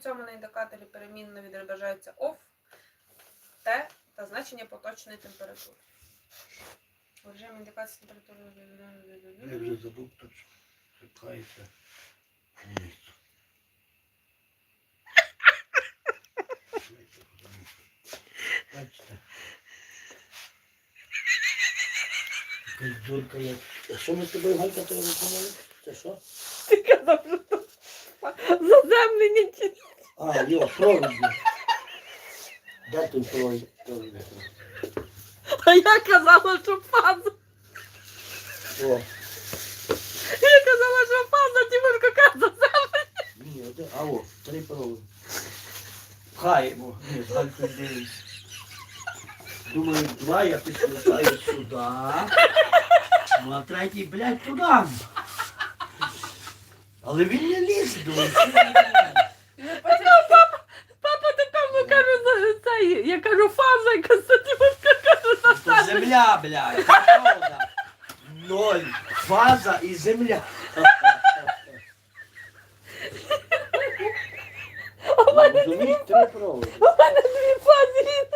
цьому на індикаторі перемінно відображаються OFF, T та значення поточної температури. У режимі індикації температури... Я вже забув точно. Чекайте. Бачите. Якась дурка як. А що ми з тобою, Галька, тебе виконали? Це що? Ти казав, що то заземлення чи... А, йо, провід. Де той провід? А я казала, що фаза. О, Я казала, що фаза, Тимурко каже заземлення. ні, один. А о, 3 проводи. Пхаємо. Ні, з Галькою дивимось. Думаю, 2 я підключаю сюди. Ну, а третій, блядь, туди. Але він не лізе, думаю, що він не Папа такому кажу, цей, я кажу фаза, і Константинівка каже То заземлення. земля, блядь, це правда. 0. Фаза і земля. У мене Розумієш, 3 проводи. дві фази.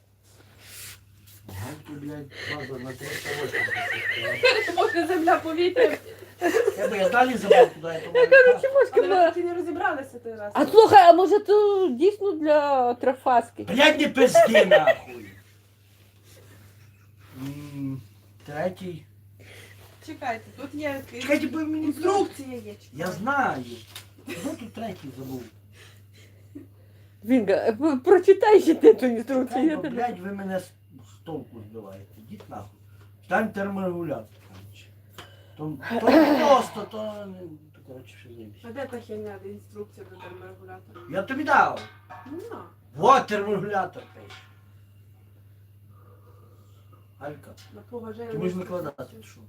Гальки, блядь, фаза на 380. Може земля повітря. Я далі забув, куди я Я кажу, Тимошка, Але ми поки не розібралися той раз. а слухай, а може то дійсно для трафаски? Блядь, не пизди, нахуй. Третій. Чекайте, тут є Чекайте, бо мені інструкція є. Я знаю. Ну тут третій забув. Вінга, прочитай ще ти ту інструкцію. Я Бо, тебе... блядь, ви мене з толку збиваєте. Ідіть нахуй. Стань терморегулятор, коротше. То просто, то коротше, що займісь. А де та херня, де інструкція до терморегулятора? Я тобі дав. Ну, Вот терморегулятор пише. Алька, на поважаю. ти можеш викладати, що?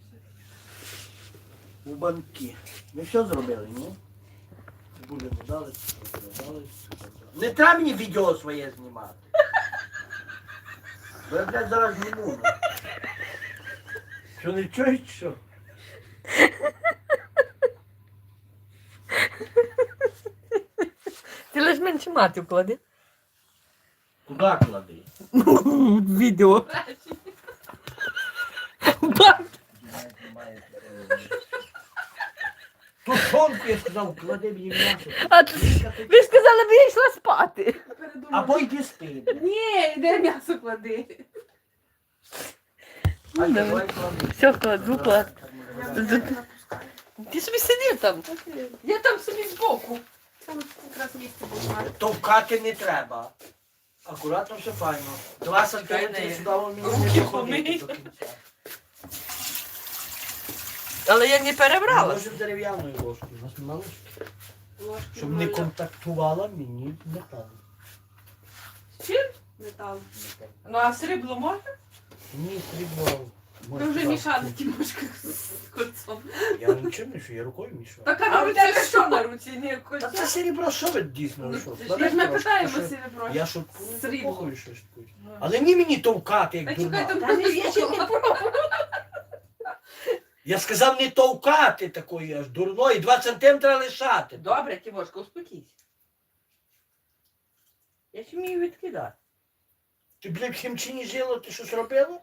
У банки. Ми все зробили, ні? Цибулю не дали, цибулю не дали. Не треба мені відео своє знімати. Бо я, блядь, зараз зніму. Що не чуєш, що? Ти лиш менше мати вклади. Куди клади? Відео. Тушонку, я сказав, клади мені м'ясо. А ви ж сказали, б я йшла спати. Або йди спи. Ні, де м'ясо клади. Алька, давай. давай клади. Все, кладу, клад. Я не напускаю. Ти собі сидів там. Я там собі збоку. Там якраз місце було. Товкати не треба. Акуратно, все файно. 2 сантиметри сюди мені Руки не доходити помий. до кінця. Але я не перебрала. Може дерев'яною ложкою. У нас нема ложки? Ложки Щоб не маю. контактувала мені метал. З чим? Метал. Ну а срібло можна? Ні, срібло. Ви вже мішали Тимошка з кольцом. Я нічого не мішу, я рукою мішаю. Так А а у ви тебе тебе що що на на руці? Не Та кольцо? це серебро, що ви дійсно Ну, що? Ми ж не питаємо серебро. Я шуткую, Срібло. похуй, що шуткую. Але не мені товкати, Та як чекай, дурна. там я ще не пробувала. Я сказав не товкати такої аж дурної, 2 сантиметри лишати. Добре, Тимошка, успокійся. Я ще вмію відкидати. Ти, блядь, в хімчині жила, ти щось робила?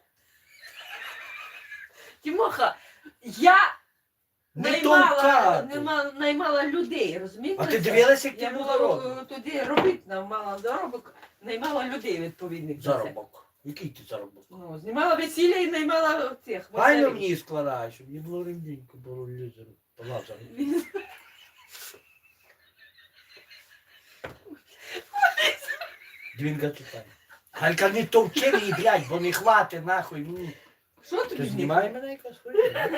Тимоха, я Не товкати. наймала людей, розумієте? А ти дивилася, як Я ти була заробок? туди робити, мала заробок, наймала людей відповідних. за це. Заробок. Який ти заробок? Ну, знімала весілля і наймала цих. Файно веселих. мені складаєш, щоб мені було рівненько, було лізеру. Лазару. Двінга читай. Галька, не товчи мені, блядь, бо не хвати нахуй. Ну. Що Ти тобі знімай мене якась хуйня?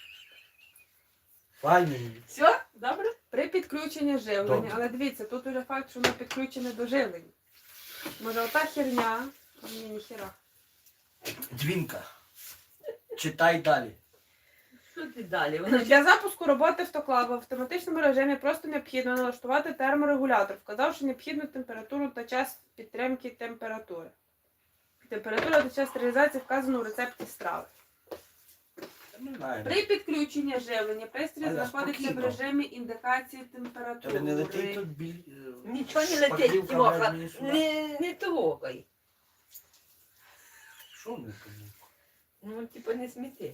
Файно мені. Все? Добре? При підключенні живлення, Добре. але дивіться, тут уже факт, що воно підключене до живлення. Може ота херня, а мені ніхера. Двінка. Читай далі. Що ти далі? Вона Для запуску роботи автоклава в автоматичному режимі просто необхідно налаштувати терморегулятор, вказавши необхідну температуру та час підтримки температури. Температура та час стерилізації вказано у рецепті страви. Не знаю. При підключенні живлення пристрій Аля, знаходиться в спокійно. режимі індикації Тебе не летить температури. тут Нічого не шпаклівка летить, Тимоха. везде мені сюди. Не трогай. Що не тому? Ну, типу, не сміти.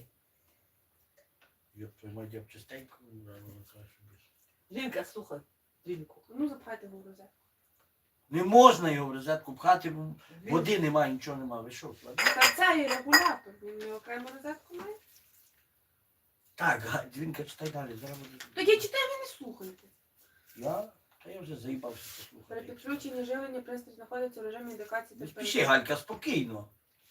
Я приймаю, я б частенько, вона каже, що більше. Жінка, слухай. Жінку. Ну, запхайте його в розетку. Не можна його в розетку пхати, бо води немає, нічого немає. Ви що, ладно? Та це і регулятор, він не окрему розетку має. Так, Дзвінка, читай далі, зараз буде. Так я читаю, ви не слухаєте. Я вже заїбався При послухати. підключенні живлення пристрій знаходиться в режимі індикації Не температури. спіши, Галька, спокійно.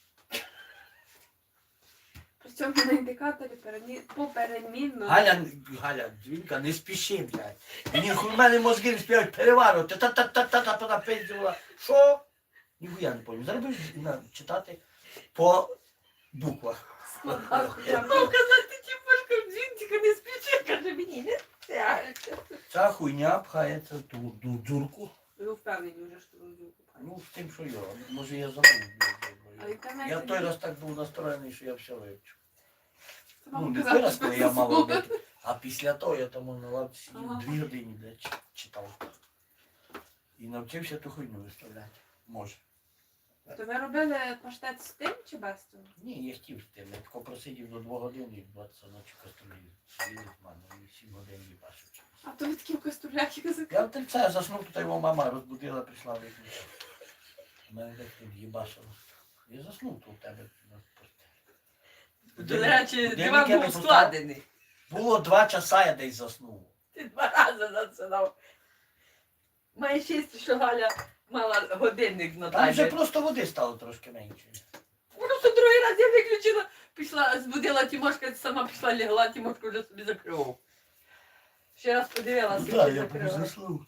При цьому на індикаторі поперемінно. Галя, Дзвінка, не спіши, блядь. Мені в мене мозги не співають переварувати. Та-та-та-та-та напиздила. Що? Ніхуя не пам'ятаю. Зараз будеш читати по буквах. Складав. Мав казати, Тимошка, жінка, не спіши, каже мені, не тягайся. Ця хуйня пхається в ту дзюрку. Ви впевнені вже, що ви розділку пхаєте. Ну, з тим, що я. Може я забув. А в інтернеті Я в той ні. раз так був настроєний, що я все вивчив. Сама Ну, не показала, той раз, що коли я мав слухала. робити. А після того я там на лавці сидів Ага. 2 години, блядь, читав. І навчився ту хуйню виставляти. Може. То ви робили паштет з тим чи без цього? Ні, я хотів з тим. Я тако просидів до 2 годин і 20 ночі каструлі з'їли з мене. І 7 годин їбашив. А то ви такі в каструлях язик. Я в це заснув, тут його мама розбудила, прийшла виключити. У мене так тут їбашило. Я заснув тут у тебе на постелі. До речі, Будильник диван я не був поставив. складений. Було 2 часа, я десь заснув. Ти 2 рази засинав. Має щастя, що Галя мала годинник на Там вже таймері. просто води стало трошки менше. Просто другий раз я виключила, пішла, збудила Тимошка, сама пішла лягла, Тимошка вже собі закривав. Ще раз подивилася, Так, і я був закрила. заснув.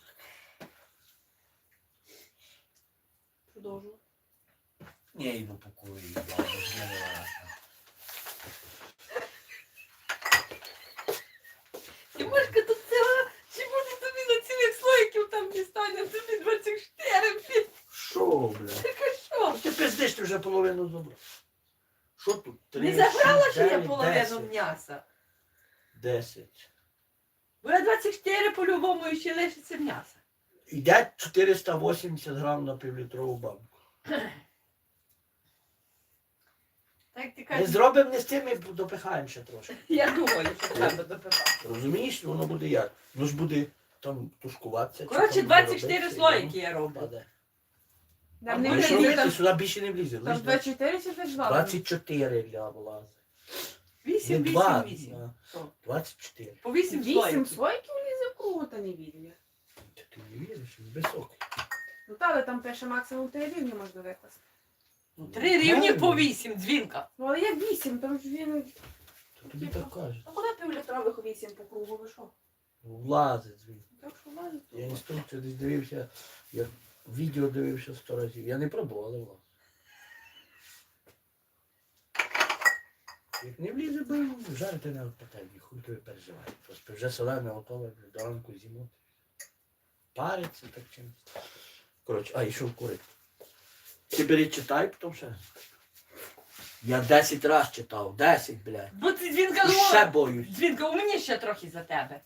Продовжую. Ні, я йду по курі, я не вилазна. Тимошка, тут ціла, чи може тобі на цілих слоїків там дістане, тобі 24, блін, Що, бля? така що? Ти пиздиш, ти вже половину забрав. Що тут? 3, Не забрала 6, ще я 9, половину 10. м'яса. 10. Бо я 24 по-любому і ще лишиться м'яса. Йде 480 грам на півлітрову банку. Так ти Ми кажеш, зробимо не з тим, ми допихаємо ще трошки. я думаю, що треба допивати. Розумієш, воно буде як? Воно ж буде там тушкуватися. чи Коротше, там буде 24 робитися, слоїки і я воно роблю. паде. Нам А не ви Ну, що влізе робити? там. Сюди більше не влізе. Там Лиш 24 чи 22? 24 для влази. 8, Не 2, 8, 8. а Що? 24. По 8 8 слоїків. слойків влізе в кругу, та не вільні. Ти не віриш? Він високий. Ну та, але там пише максимум 3 рівні можна викласти. Ну, 3 рівні по правильно. 8, дзвінка. Ну але як 8, там ж він... То тобі так кажуть. А куди півлітрових 8 по кругу, ви що? Влазить звідси. Так що влазить? Я інструкцію десь дивився, я відео дивився 100 разів. Я не пробував, але влазить. Як не влізе, бо жарити на пательні, хуй тобі переживає. Просто вже солене готове, до ранку зімути. Париться так чимось. Коротше, а, йшов курити. Ти бери читай, потім ще. Я 10 разів читав, 10, блядь. Бо ти дзвінка І ще думала. боюсь. Дзвінка, у мені ще трохи за тебе.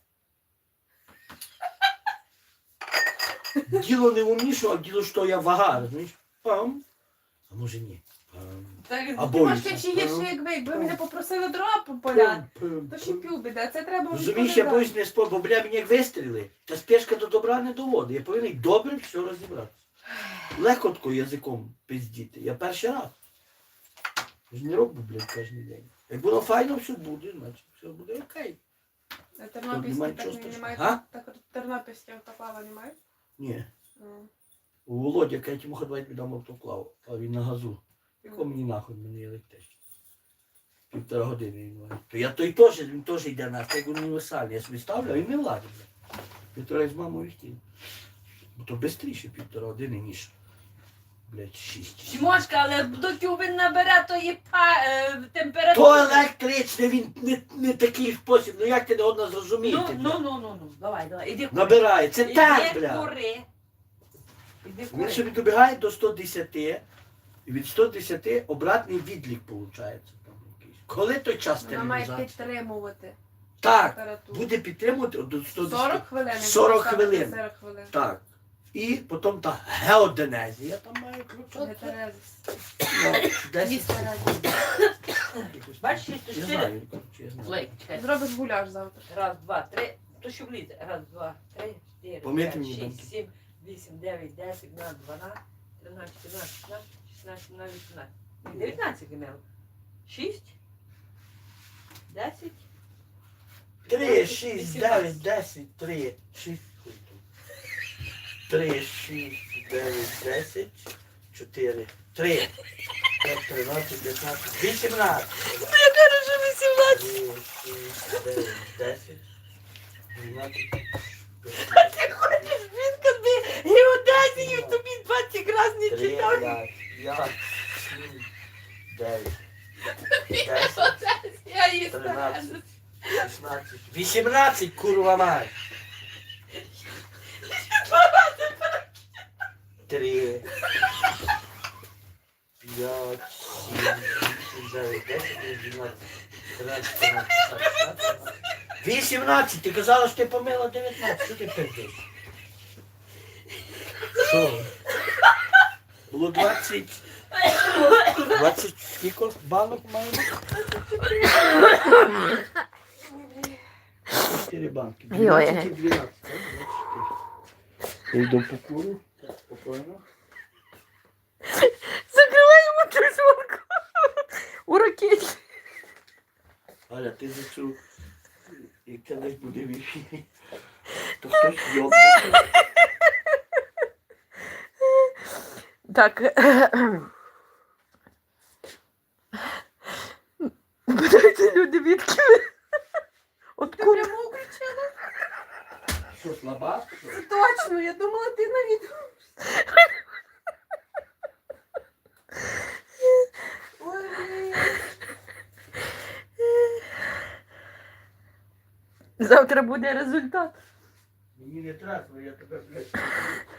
Діло не в умнішу, а діло, що я вага, розумієш? Пам. А може ні. Пам. Так, А ти боюся. можеш ще гірше, якби мене попросили дрова поляти, то ще пів біде, це треба вже Розумієш, я подати. боюсь не спор, бо бля мені як вистріли, та спешка до добра не доводить. Я повинен добре все розібрати. Легко тако язиком пиздіти. Я перший раз. Я ж не роблю, блядь, кожен день. Як воно файно все буде, значить все буде окей. Тернопільські Немає так нічого немає, страшного. так тернопільські автоклава немає? Ні. Ну. У Володя, каже, йому давай віддам автоклав, а він на газу. Яко мені нахуй, мені електричний. 1,5 години він має. То я той теж, він теж йде на як універсальний. Я собі ставлю, а він не владить. Півтора з мамою хотів. Бо то швидше 1,5 години, ніж, блядь, 6. Тимошка, але доки він набере тої То температури. електричний, він не такий спосіб. Ну як ти не одна зрозуміти? Ну, давай, іди кури. Набирає. Це так, Іди бля. кури. Іди Він кури. собі добігає до 110, і від 110 обратний відлік виходить. Там якийсь. Коли той час Вона має стерилізації? підтримувати Так, температуру. буде підтримувати до 110. 40 хвилин. якщо 40 поставити хвилин. 40 хвилин. Так. І потім та геоденезія там має включати. Гетерезис. Ну, 10. Їсти раді. Бачиш, то Я чотири. знаю, коротше, я знаю. Лейк, чекай. Зробиш гуляш завтра. Раз, два, три. То що влізе? Раз, два, три, чотири, Помити п'ять, мені шість, банки. сім, вісім, дев'ять, 10, 12, 12, 13, 14, 15, 16, 17, 18. 19 імел. 6, 10. 3, 6, 9, 10, 3, 6. 3, 6, 9, 10, 4, 3, 5, 13, 15, 18. Я кажу, що 18. 3, 6, 9, 10, 12, Ти хочеш, він тобі геодезію, тобі 20 раз не 3, читав. 5, 7, 9, 10, Я її 13, стараю. 16, 18, курва мать. 3, 5, 7, 8, 9, 10, 11, 13, 14, 18. Ти казала, що ти помила 19. Що ти пиздиш? Що? Було 20. 20 скільки банок маємо? 4 банки. 12 і 12. Я йду по куру. Спокійно. Закривай йому ту звонку. У ракеті. Аля, ти за цю, як це десь буде в ефірі, то хтось йобнеться. Так. Питайте люди, відки ви? От Ти кури. прямо включила? Що, слаба? Це точно, я думала, ти на відео. Ой, блін. Завтра буде результат. Мені не треба, я тебе, блядь,